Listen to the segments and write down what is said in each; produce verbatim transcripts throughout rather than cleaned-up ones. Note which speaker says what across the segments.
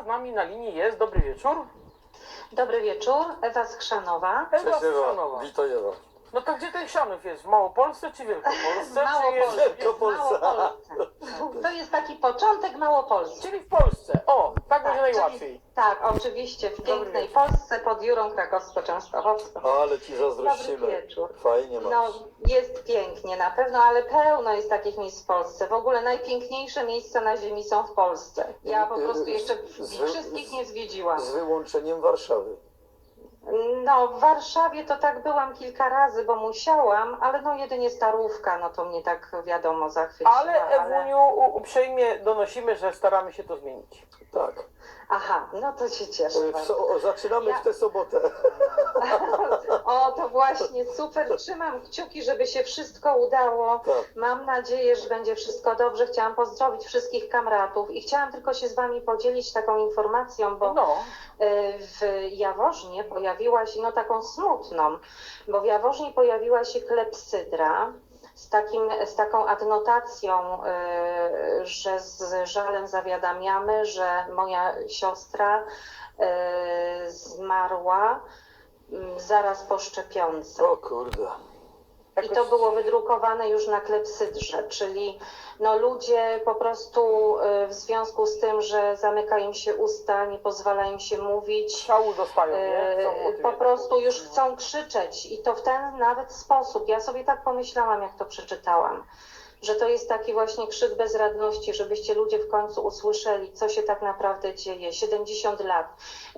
Speaker 1: nami na linii jest. Dobry wieczór.
Speaker 2: Dobry wieczór, Ewa Skrzanowa.
Speaker 1: Ewa
Speaker 3: Cześć Ewa,
Speaker 1: Skrzanowa.
Speaker 3: witaj Ewa.
Speaker 1: No to gdzie ten Chrzanów jest? W Małopolsce czy Wielkopolsce? Czy jest...
Speaker 2: Małopolsce.
Speaker 3: Wielkopolsce.
Speaker 2: Małopolsce. To jest taki początek Małopolski.
Speaker 1: Czyli w Polsce. O, tak będzie
Speaker 2: czyli-
Speaker 1: najłatwiej.
Speaker 2: Tak, oczywiście, w pięknej
Speaker 1: wieczór.
Speaker 2: Polsce pod Jurą Krakowsko-Częstochowską.
Speaker 3: Ale ci zazdrościmy.
Speaker 2: Dobry wieczór.
Speaker 3: Fajnie masz.
Speaker 2: No, jest pięknie na pewno, ale pełno jest takich miejsc w Polsce. W ogóle najpiękniejsze miejsca na ziemi są w Polsce. Ja po prostu jeszcze
Speaker 3: Z-
Speaker 2: wszystkich nie zwiedziłam.
Speaker 3: Z wyłączeniem Warszawy.
Speaker 2: No, w Warszawie to tak byłam kilka razy, bo musiałam, ale no jedynie Starówka, no to mnie tak wiadomo zachwyciła.
Speaker 1: Ale Ewuniu, u- uprzejmie donosimy, że staramy się to zmienić.
Speaker 3: Tak.
Speaker 2: Aha, no to się cieszę
Speaker 3: W
Speaker 2: bardzo.
Speaker 3: so, o, zaczynamy
Speaker 2: Ja-
Speaker 3: w tę sobotę.
Speaker 2: O, to właśnie super. Trzymam kciuki, żeby się wszystko udało.
Speaker 3: Tak.
Speaker 2: Mam nadzieję, że będzie wszystko dobrze. Chciałam pozdrowić wszystkich kamratów i chciałam tylko się z Wami podzielić taką informacją, bo
Speaker 1: No,
Speaker 2: y, w Jaworznie pojawiła się, no taką smutną, bo w Jaworznie pojawiła się klepsydra z, takim, z taką adnotacją, y, że z żalem zawiadamiamy, że moja siostra y, zmarła y, zaraz po szczepionce.
Speaker 3: O kurde.
Speaker 2: I to było wydrukowane już na klepsydrze, czyli no ludzie po prostu y, w związku z tym, że zamyka im się usta, nie pozwala im się mówić,
Speaker 1: szału dostają, nie? Chcą o
Speaker 2: y,
Speaker 1: tym
Speaker 2: po
Speaker 1: jednak
Speaker 2: prostu
Speaker 1: mówić.
Speaker 2: już chcą krzyczeć i to w ten nawet sposób. Ja sobie tak pomyślałam, jak to przeczytałam, że to jest taki właśnie krzyk bezradności, żebyście ludzie w końcu usłyszeli, co się tak naprawdę dzieje. siedemdziesiąt lat.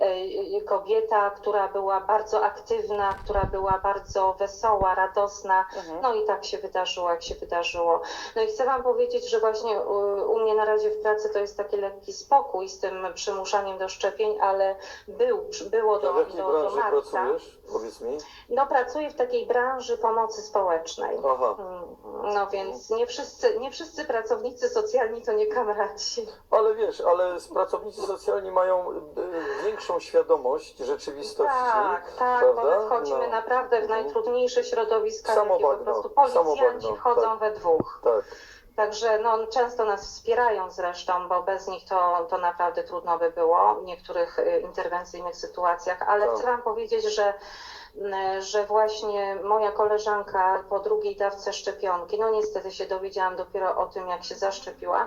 Speaker 2: Y, Kobieta, która była bardzo aktywna, która była bardzo wesoła, radosna.
Speaker 1: Mhm.
Speaker 2: No i tak się wydarzyło, jak się wydarzyło. No i chcę Wam powiedzieć, że właśnie u, u mnie na razie w pracy to jest taki lekki spokój z tym przymuszaniem do szczepień, ale był, było
Speaker 3: A
Speaker 2: do,
Speaker 3: w jakiej
Speaker 2: do, do
Speaker 3: branży
Speaker 2: marca.
Speaker 3: pracujesz? Powiedz mi.
Speaker 2: No pracuję w takiej branży pomocy społecznej.
Speaker 3: Aha.
Speaker 2: Mm, No więc nie wszyscy, nie wszyscy pracownicy socjalni to nie kamraci.
Speaker 3: Ale wiesz, ale pracownicy socjalni mają y, większą świadomość rzeczywistości.
Speaker 2: Tak, tak, bo
Speaker 3: prawda?
Speaker 2: my wchodzimy
Speaker 3: No.
Speaker 2: naprawdę w najtrudniejsze środowiska,
Speaker 3: Samo
Speaker 2: jakie po
Speaker 3: bagno,
Speaker 2: prostu
Speaker 3: samo
Speaker 2: policjanci
Speaker 3: bagno,
Speaker 2: wchodzą
Speaker 3: tak.
Speaker 2: we dwóch.
Speaker 3: Tak.
Speaker 2: Także no, często nas wspierają zresztą, bo bez nich to, to naprawdę trudno by było w niektórych y, interwencyjnych sytuacjach, ale
Speaker 3: Tak.
Speaker 2: chcę Wam powiedzieć, że, y, że właśnie moja koleżanka po drugiej dawce szczepionki, no niestety się dowiedziałam dopiero o tym, jak się zaszczepiła,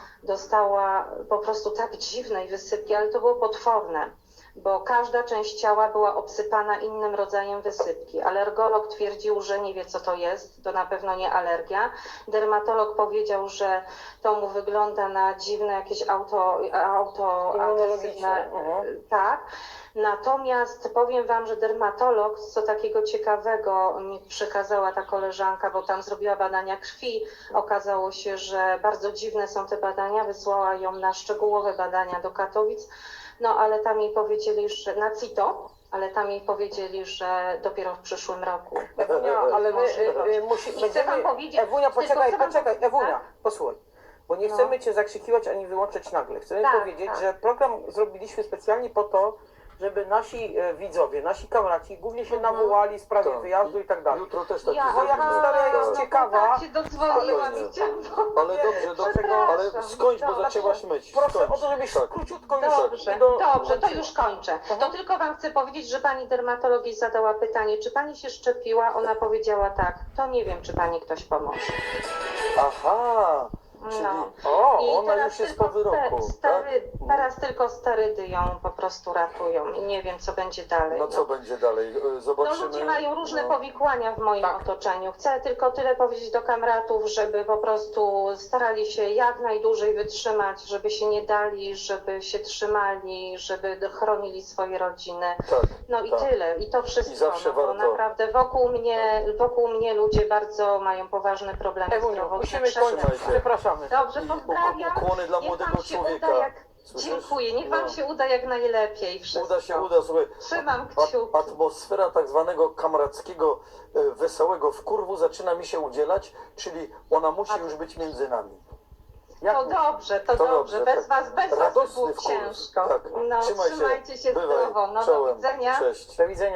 Speaker 2: dostała po prostu tak dziwnej wysypki, ale to było potworne, bo każda część ciała była obsypana innym rodzajem wysypki. Alergolog twierdził, że nie wie, co to jest, to na pewno nie alergia. Dermatolog powiedział, że to mu wygląda na dziwne jakieś auto, auto
Speaker 1: Immunologiczne,
Speaker 2: agresywne.
Speaker 1: mhm.
Speaker 2: Tak. Natomiast powiem Wam, że dermatolog, co takiego ciekawego mi przekazała ta koleżanka, bo tam zrobiła badania krwi, okazało się, że bardzo dziwne są te badania, wysłała ją na szczegółowe badania do Katowic, no ale tam jej powiedzieli, że na CITO, ale tam jej powiedzieli, że dopiero w przyszłym roku.
Speaker 1: Ewunia, ale my y, y, musi,
Speaker 2: I chcę
Speaker 1: będziemy...
Speaker 2: wam powiedzieć-
Speaker 1: Ewunia,
Speaker 2: tylko
Speaker 1: poczekaj,
Speaker 2: chcę wam-
Speaker 1: poczekaj, Ewunia,
Speaker 2: tak?
Speaker 1: posłuchaj. Bo nie
Speaker 2: No.
Speaker 1: chcemy Cię zakrzykiwać ani wyłączyć nagle. Chcemy
Speaker 2: Tak,
Speaker 1: powiedzieć,
Speaker 2: tak.
Speaker 1: że program zrobiliśmy specjalnie po to, żeby nasi e, widzowie, nasi kamraci głównie się
Speaker 2: Mhm.
Speaker 1: nawołali w sprawie
Speaker 3: Tak.
Speaker 1: wyjazdu i tak dalej.
Speaker 3: Jutro też taki
Speaker 2: Ja,
Speaker 1: Bo jak
Speaker 3: zrobimy.
Speaker 1: historia
Speaker 2: aha,
Speaker 1: jest
Speaker 2: no
Speaker 1: ciekawa,
Speaker 2: tak się dodzwoniłam
Speaker 3: spokojnie.
Speaker 2: i chciałam
Speaker 3: Ale dobrze, dobrze,
Speaker 2: Przepraszam.
Speaker 3: ale skończ, bo
Speaker 2: Dobra,
Speaker 3: zaczęłaś myć.
Speaker 1: Proszę
Speaker 3: Skończ.
Speaker 1: o to, żebyś
Speaker 3: Tak.
Speaker 1: króciutko już
Speaker 2: Dobrze,
Speaker 1: i do...
Speaker 2: dobrze, to już kończę. To tylko Wam chcę powiedzieć, że Pani dermatolog jej zadała pytanie, czy Pani się szczepiła? Ona powiedziała tak, to nie wiem, czy Pani ktoś pomoże.
Speaker 3: Aha, czyli
Speaker 2: No.
Speaker 1: O,
Speaker 2: I
Speaker 3: ona
Speaker 2: teraz
Speaker 3: już jest po
Speaker 2: tylko
Speaker 3: wyroku,
Speaker 2: ste- stary,
Speaker 3: tak?
Speaker 2: teraz tylko sterydy ją po prostu ratują i nie wiem, co będzie dalej.
Speaker 3: no co będzie dalej? E,
Speaker 2: No
Speaker 3: Zobaczymy.
Speaker 2: ludzie mają różne
Speaker 3: No.
Speaker 2: powikłania w moim
Speaker 1: Tak.
Speaker 2: otoczeniu. Chcę tylko tyle powiedzieć do kamratów, żeby po prostu starali się jak najdłużej wytrzymać, żeby się nie dali, żeby się trzymali, żeby chronili swoje rodziny.
Speaker 3: Tak,
Speaker 2: No i
Speaker 3: tak.
Speaker 2: tyle. I to wszystko.
Speaker 3: I zawsze
Speaker 2: no, bo
Speaker 3: warto.
Speaker 2: naprawdę wokół mnie, wokół mnie ludzie bardzo mają poważne problemy
Speaker 1: Ewuniu,
Speaker 2: zdrowotne.
Speaker 1: musimy
Speaker 2: Przepraszam.
Speaker 1: kończyć.
Speaker 3: Trzymaj się.
Speaker 1: Przepraszamy.
Speaker 2: Dobrze,
Speaker 3: I
Speaker 2: pozdrawiam.
Speaker 3: ukłony dla
Speaker 2: Niech
Speaker 3: młodego
Speaker 2: wam się
Speaker 3: człowieka.
Speaker 2: uda jak...
Speaker 3: Słyszysz?
Speaker 2: Dziękuję. Niech Wam
Speaker 3: No.
Speaker 2: się uda jak najlepiej wszystko.
Speaker 3: Uda się, uda, słuchaj.
Speaker 2: Trzymam
Speaker 3: A-
Speaker 2: kciuki.
Speaker 3: Atmosfera tak zwanego kamrackiego, e, wesołego wkurwu zaczyna mi się udzielać, czyli ona musi już być między nami. Jak
Speaker 2: To
Speaker 3: mówisz?
Speaker 2: dobrze, to,
Speaker 3: To
Speaker 2: dobrze.
Speaker 3: dobrze,
Speaker 2: Bez
Speaker 3: tak.
Speaker 2: Was, bez Was
Speaker 3: Radosny
Speaker 2: było
Speaker 3: wkurw.
Speaker 2: ciężko.
Speaker 3: Tak.
Speaker 2: No,
Speaker 3: Trzymaj się.
Speaker 2: trzymajcie się
Speaker 3: Bywaj.
Speaker 2: zdrowo. No, do
Speaker 3: Czołem.
Speaker 2: widzenia.
Speaker 3: Cześć.
Speaker 1: Do widzenia.